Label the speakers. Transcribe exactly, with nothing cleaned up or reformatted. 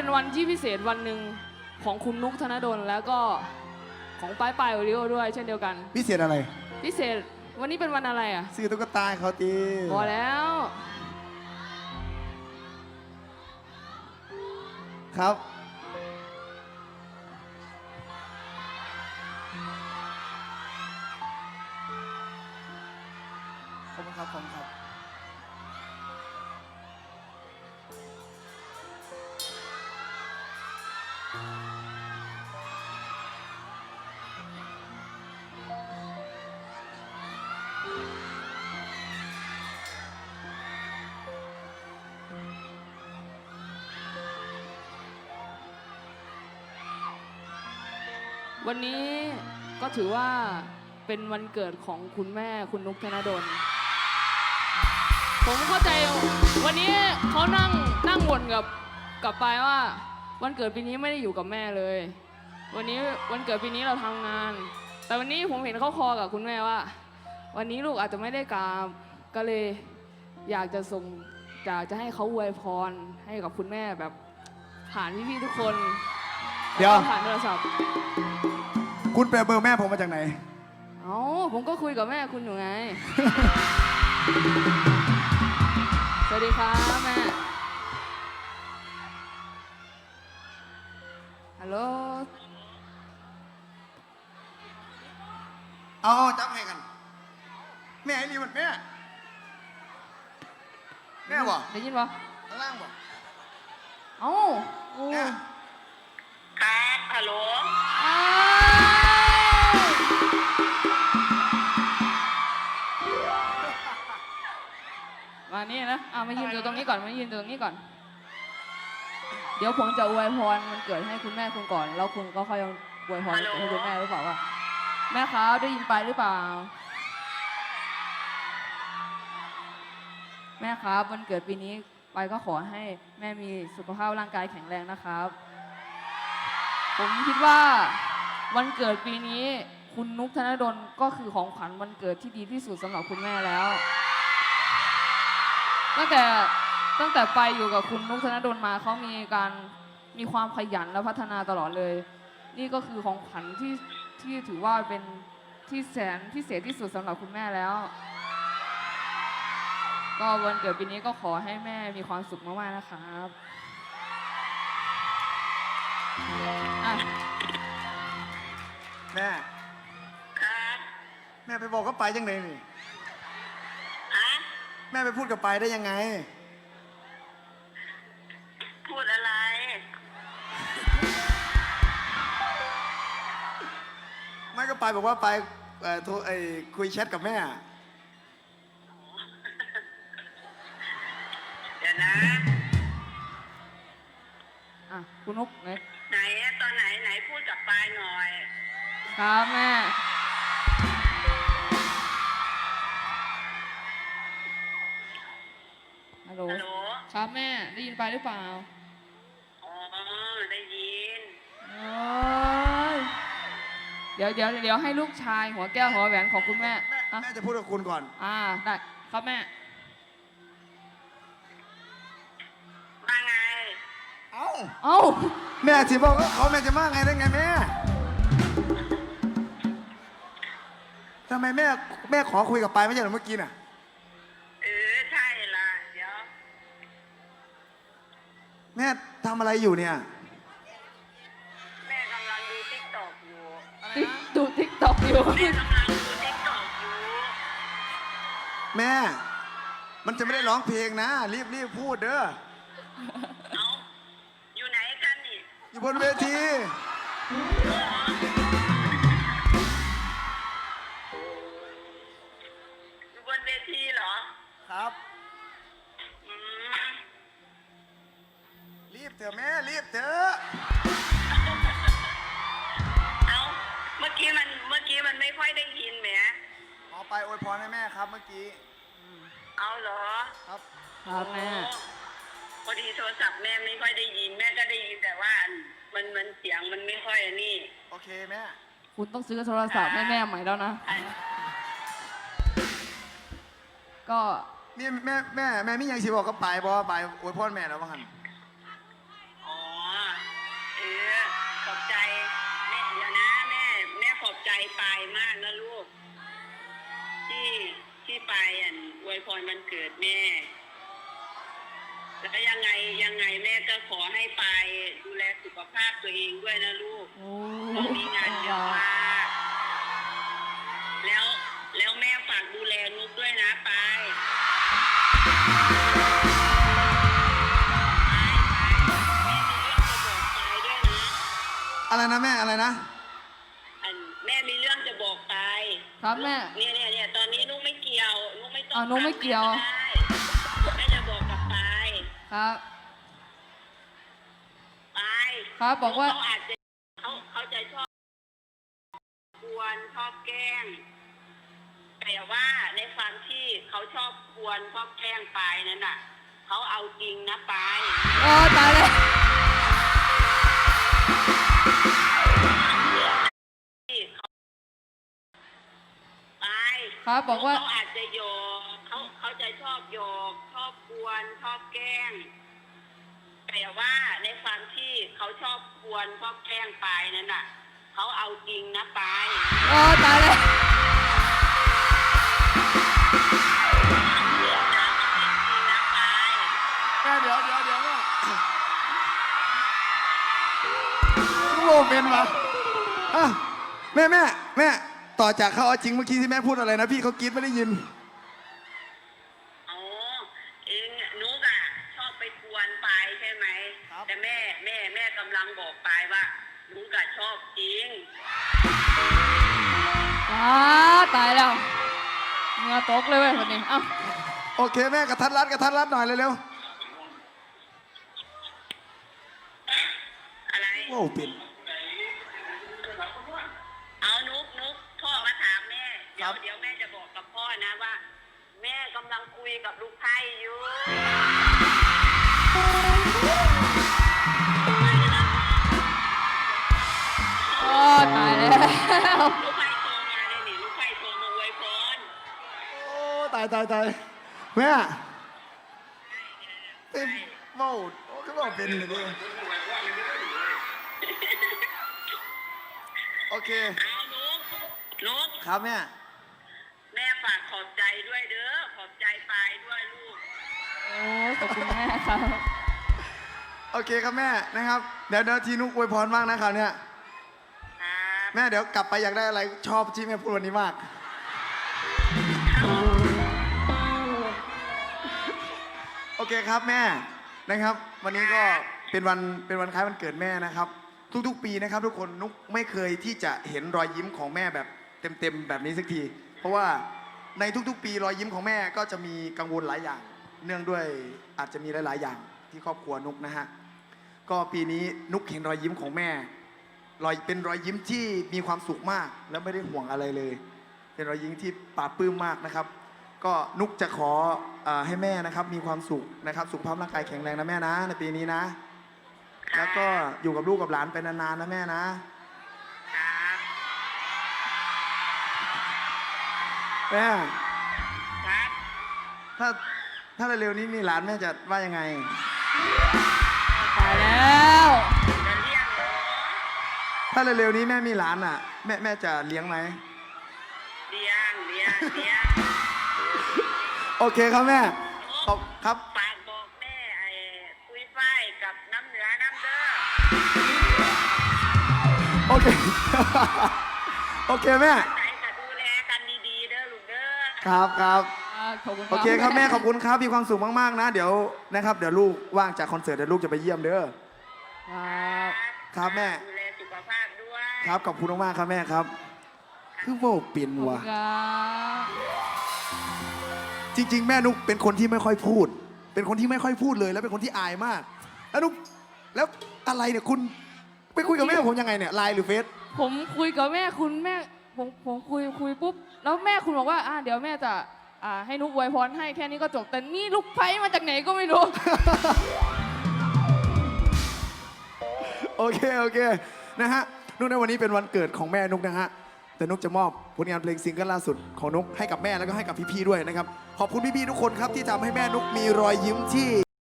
Speaker 1: เป็นวันที่พิเศษวันหนึ่งของคุณนุกธนดลแล้วก็ของป้ายปายโอริโอด้วยเช่นเดียวกัน
Speaker 2: พิเศษอะไร
Speaker 1: พิเศษวันนี้เป็นวันอะไรอ่ะ
Speaker 2: ซื้อตุ๊กตาเขาตี
Speaker 1: พอแล้ว
Speaker 2: ครับขอบคุณครับขอบคุณครับ
Speaker 1: วันนี้ก็ถือว่าเป็นวันเกิดของคุณแม่คุณนุกธนดลผมเข้าใจวันนี้เขานั่งนั่งบ่นกับกับปายว่าวันเกิดปีนี้ไม่ได้อยู่กับแม่เลยวันนี้วันเกิดปีนี้เราทำงานแต่วันนี้ผมเห็นเขาคอกับคุณแม่ว่าวันนี้ลูกอาจจะไม่ได้กราบก็เลยอยากจะส่งอยากจะให้เขาอวยพรให้กับคุณแม่แบบผ่านพี่ๆทุกคน
Speaker 2: เดี๋ยว
Speaker 1: ผ่านโทรศัพท์
Speaker 2: คุณแปลเบอร์แม่ผมมาจากไหน
Speaker 1: เอ้าผมก็คุยกับแม่คุณอยู่ไง สวัสดีครับแม่ฮัลโหล
Speaker 2: เอาจับให้กันแม่ไอ้นี่มันแม่แม่บอก
Speaker 1: ได้ยินปะ
Speaker 2: ข้างล่างบอก
Speaker 1: เอ้าโอ้
Speaker 3: ครับฮัลโหล
Speaker 1: มานี่นะอ่ะมายืนอยู่ตรงนี้ก่อนมายืนอยู่ตรงนี้ก่อนเดี๋ยวผมจะอวยพรมันเกิดให้คุณแม่คุณก่อนแล้วคุณก็ค่อยอวยพรให้คุณแม่หรือเปล่าว่าแม่ครับได้ยินไปหรือเปล่าแม่ครับวันเกิดปีนี้ไปก็ขอให้แม่มีสุขภาพร่างกายแข็งแรงนะครับผมคิดว่าวันเกิดปีนี้คุณนุกธนดลก็คือของขวัญวันเกิดที่ดีที่สุดสำหรับคุณแม่แล้วตั้งแต่ตั้งแต่ไปอยู่กับคุณนุกธนดลมาเขามีการมีความขยันและพัฒนาตลอดเลยนี่ก็คือของขวัญที่ที่ถือว่าเป็นที่แสนพิเศษที่สุดสำหรับคุณแม่แล้วก็วันเกิดปีนี้ก็ขอให้แม่มีความสุขมากๆนะครับ
Speaker 2: แม่
Speaker 3: ครับ
Speaker 2: แม่ไปบอกกับไปยังไงนี่
Speaker 3: ฮะ
Speaker 2: แม่ไปพูดกับไปได้ยังไง
Speaker 3: พูดอะไร
Speaker 2: ไม่ก็ไปบอกว่าไปเอ่อโทรไอ้คุยแชทกับแม่
Speaker 3: เดี๋ยวนะ
Speaker 1: อ่ะคุณนุกไหน
Speaker 3: ไหนตอนไหนไหนพูดกับปายหน่อย
Speaker 1: ครับแม่ฮัลโหลครับแม่ได้ยินไปหรือเปล่า
Speaker 3: อ๋อได้ยิน
Speaker 1: เดี๋ยวเดี๋ยวเดี๋ยวให้ลูกชายหัวแก้วหัวแหวนของคุณแม่
Speaker 2: แม่จะพูดกับคุณก่อน
Speaker 1: อ่าได้ครับแม่
Speaker 3: มาไง
Speaker 2: เอ้า
Speaker 1: เอ้า
Speaker 2: แม่สิบอกว่าเขาแม่จะมาไงได้ไงแม่ทำไมแม่แม่ขอคุยกับไปไม่ใช่เหรอเมื่อกี้น่ะ
Speaker 3: เออใช่ละเดี๋ยว
Speaker 2: แม่ทำอะไรอยู่เนี่ย
Speaker 3: แม่กำลังดูติ๊กต็อกอยู่
Speaker 1: ดูติ๊กต็อกอยู่
Speaker 3: แม่กำลังดูติ๊กต็อกอยู่
Speaker 2: แม่มันจะไม่ได้ร้องเพลงนะรีบรีบพูดเด้อ
Speaker 3: เอาอยู่ไหนกันนี่
Speaker 2: อยู่บนเวที
Speaker 3: อยู่บนเวทีเหรอ
Speaker 2: ครับรีบเถอะแม่รีบเถอะ
Speaker 3: เอาเมื่อกี้มันเมื่อกี้มันไม่ค่อยได้ยินแหม
Speaker 2: เอาไปอวยพรให้แม่ครับเมื่อกี้
Speaker 3: เอาเหรอ
Speaker 2: ครับ
Speaker 1: ครับแม่
Speaker 3: พอดีโทรศัพท์แม่ไม่ค่อยได้ยินแม่ก็ได้ยินแต่ว่ามันมันเสียงมันไม่ค่อยนี่
Speaker 2: โอเคแม่
Speaker 1: คุณต้องซื้อโทรศัพท์ให้แม่ใหม่แล้วนะก็
Speaker 2: นี่แม่แม่แม่ไม่ยังสิบอกกับไปบอกว่าไปอวยพรแม่แล้วว่าหัน
Speaker 3: อ๋อากนะลูก ที่ที่ไปอ่ะอวยพรวันเกิดแม่ แล้วยังไงยังไงแม่ก็ขอให้ไปดูแลสุขภาพตัวเองด้วยนะลูก
Speaker 1: โอ้
Speaker 3: ตอนนี้งานเยอะมากแล้วแล้วแม่ฝากดูแลนุกด้วยนะไป
Speaker 2: อะไรนะแม่อะไรนะ
Speaker 3: อันแม่มีเรื่องจะบอกไป
Speaker 1: ครับแม่
Speaker 3: เนี่ยเนี่ยเนี่ยตอนนี้นุกไม่เกี่ยวนุกไม่ต้อง
Speaker 1: อ่านุ๊กไม่เกี่ยว
Speaker 3: ถาแม่ก็ได้แม่จะบอกกับไป
Speaker 1: ครับ
Speaker 3: ไป
Speaker 1: ครับบอกว่า
Speaker 3: เขาอาจจะเขาเขาจะชอบกวนชอบแกล้งแต่ว่าในความที่เขาชอบกวนชอบแกล้งไปนั่นน่ะเขาเอาจริงนะไป
Speaker 1: โอ้ตายแล้ว
Speaker 3: ที่เขาไป
Speaker 1: ครับบอกว่า
Speaker 3: เขาอาจจะโยกเขาเขาจะชอบโยกชอบกวนชอบแกล้งแต่ว่าในความที่เขาชอบกวนชอบแกล้งไปนั่นน่ะเขาเอาจริงนะไป
Speaker 1: โอ้ตายแล้ว
Speaker 2: แม่เดี๋ยวเดี๋ยวเดี๋ยวแม่โอ้เป็นวะอ่ะแม่แม่แม่ต่อจากเขาเอาจริงเมื่อกี้ที่แม่พูดอะไรนะพี่เขากรี๊ดไม่ได้ยิน
Speaker 3: อ๋อเองนุกอะชอบไปกวนปายใช่ไหม
Speaker 2: ครับ
Speaker 3: แต่แม่แม่แม่กำลังบอกปายว่านุกอะชอบจริง
Speaker 1: ว้าตายแล้วเหงื่อตกเลยเว้ยวันนี้เอ้า
Speaker 2: โอเคแม่กระทัดรัดกระทัดรัดหน่อยเร็ว
Speaker 3: อะไร
Speaker 2: ๆโอ้เป็น
Speaker 3: เอานุกนุกพ่อมาถามแม่เดี๋ยว
Speaker 2: ครับ
Speaker 3: เดี๋ยวแม่จะบอกกับพ่อนะว่า แม่กำลังคุยกับลูกไพ่อยู่
Speaker 1: โอ้ตายแล้ว
Speaker 3: ลูกไพ่โทรมาเลยนี่ลูกไพ่โทรมาอวยพร
Speaker 2: โอ้ตายตายตายแม่เป็นเมาโอ้ก็บอกเป็นเลยดิโอเค
Speaker 3: เอานุกนุก
Speaker 2: ครับแม่
Speaker 3: แม่ฝากขอบใจด้วยเด้อขอบใจปายด้วยลูก
Speaker 1: โอ้ขอบคุณแม่ครับ
Speaker 2: โอเคครับแม่นะครับเดี๋ยวเดี๋ยวทีนุกอวยพรบ้างนะครับเนี่ย
Speaker 3: ครับ
Speaker 2: แม่เดี๋ยวกลับไปอยากได้อะไรชอบที่แม่พูดวันนี้มาก โอเคครับแม่นะครับ วันนี้ก็เป็นวันเป็นวันคล้ายวันเกิดแม่นะครับ ทุกๆ ปีนะครับ ทุกคนนุกไม่เคยที่จะเห็นรอยยิ้มของแม่แบบเต็มๆแบบนี้สักที เพราะว่าในทุกๆ ปีรอยยิ้มของแม่ก็จะมีกังวลหลายอย่าง เนื่องด้วยอาจจะมีหลายๆอย่างที่ครอบครัวนุกนะฮะก็ปีนี้นุกเห็นรอยยิ้มของแม่รอยเป็นรอยยิ้มที่มีความสุขมาก แล้วไม่ได้ห่วงอะไรเลย เป็นรอยยิ้มที่ปลาบปลื้มมากนะครับ ก็นุกจะขอเออให้แม่นะครับมีความสุขนะครับ สุขภาพร่างกายแข็งแรงนะแม่นะในปีนี้นะ แล้วก็อยู่กับลูกกับหลานไปนานๆนะแม่นะครับ แม่
Speaker 3: ครับ
Speaker 2: ถ้าถ้าเร็วๆนี้มีหลานแม่จะว่ายังไง
Speaker 1: ตายแล้ว
Speaker 3: จะเลี้ยงเหรอ
Speaker 2: ถ้าเร็วๆนี้แม่มีหลานอ่ะ แม่แม่จะเลี้ยงไหม
Speaker 3: เลี้ยงเลี้ยงเลี้ยง
Speaker 2: โอเคครับแม่ขอบครับ
Speaker 3: ฝากบอกแม่ไอ้คุยฝ้ายกับน้ำเหนือน้ำเด้อ
Speaker 2: โอเค โอเคแม่
Speaker 3: ไหนจะดูแลกันดีๆเด้อลูกเด้อ
Speaker 2: ครับครับ
Speaker 1: อ่าขอบคุณ
Speaker 2: โอเคครับแม่ขอบคุณครับมีความสุขมากๆนะเดี๋ยวนะครับเดี๋ยวลูกว่างจากคอนเสิร์ตเดี๋ยวลูกจะไปเยี่ยมเด้อ
Speaker 1: ครับ
Speaker 2: ครับแม่
Speaker 3: ดูแลสุขภาพด้วย
Speaker 2: ครับขอบคุณมากๆครับแม่ครับ คือโว้เปลี่ยน
Speaker 1: ขอบคุ
Speaker 2: ว่ะ
Speaker 1: ณครับ
Speaker 2: จริง ๆ แม่นุกเป็นคนที่ไม่ค่อยพูด เป็นคนที่ไม่ค่อยพูดเลยแล้วเป็นคนที่อายมาก แล้วนุกแล้วอะไรเนี่ยคุณไปคุยกับแม่ผมยังไงเนี่ยไลน์หรือเฟซ
Speaker 1: ผมคุยกับแม่คุณแม่ผมผมคุยคุยปุ๊บแล้วแม่คุณบอกว่าอ่าเดี๋ยวแม่จะอ่าให้นุกอวยพรให้แค่นี้ก็จบแต่นี่ลูกไพ่มาจากไหนก็ไม่รู้
Speaker 2: โอเคโอเคนะฮะนุกในวันนี้เป็นวันเกิดของแม่นุกนะฮะแต่นุกจะมอบผลงานเพลงซิงเกิลล่าสุดของนุกให้กับแม่แล้วก็ให้กับพี่ๆด้วยนะครับขอบคุณพี่ๆทุกคนครับที่ทำให้แม่นุกมีรอยยิ้มที่